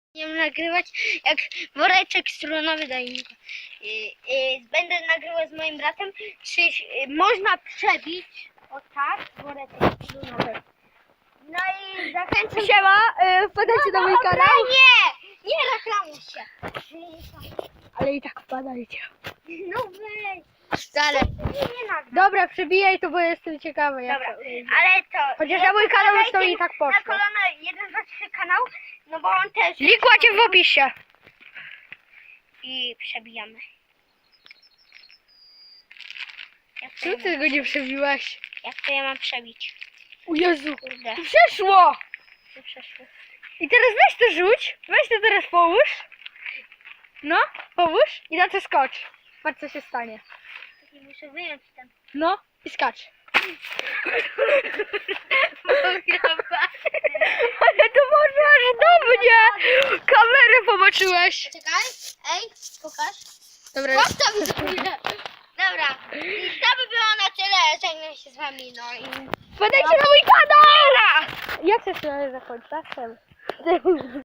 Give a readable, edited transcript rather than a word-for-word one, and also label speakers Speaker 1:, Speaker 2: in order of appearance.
Speaker 1: Będziemy nagrywać jak woreczek strunowy dajnika. Będę nagrywał z moim bratem, czy można przebić o tak woreczek strunowy. No i zachęcam.
Speaker 2: Siema, wpadajcie na mój kanał.
Speaker 1: Nie reklamuj się.
Speaker 2: Ale i tak wpadajcie.
Speaker 1: No weź.
Speaker 2: Ale,
Speaker 1: Nie nagram.
Speaker 2: dobra, przebijaj to, bo jestem ciekawy. Jak
Speaker 1: Dobra,
Speaker 2: to wyjdzie.
Speaker 1: ale to...
Speaker 2: Chociaż na mój kanał już to i tak
Speaker 1: Na
Speaker 2: poszło.
Speaker 1: kolano 1, 2, 3 kanał, no bo on też...
Speaker 2: Link macie w opisie.
Speaker 1: I przebijamy.
Speaker 2: Czemu ty go nie przebiłaś?
Speaker 1: Jak to ja mam przebić?
Speaker 2: O Jezu,
Speaker 1: Kurde,
Speaker 2: to przeszło.
Speaker 1: to przeszło.
Speaker 2: I teraz weź to rzuć. Weź to teraz połóż. No, połóż i na to skocz. Patrz co się stanie.
Speaker 1: I muszę wyjąć ten.
Speaker 2: No i skacz. Ale to można aż do mnie. Kamerę poboczyłeś.
Speaker 1: Czekaj, ej, pokaż.
Speaker 2: Dobra,
Speaker 1: Postaw za chwilę. Dobra, i to by było na tyle. Żegnam się z wami, no i...
Speaker 2: wpadajcie na mój kanał. Jak się zakończy? Tak?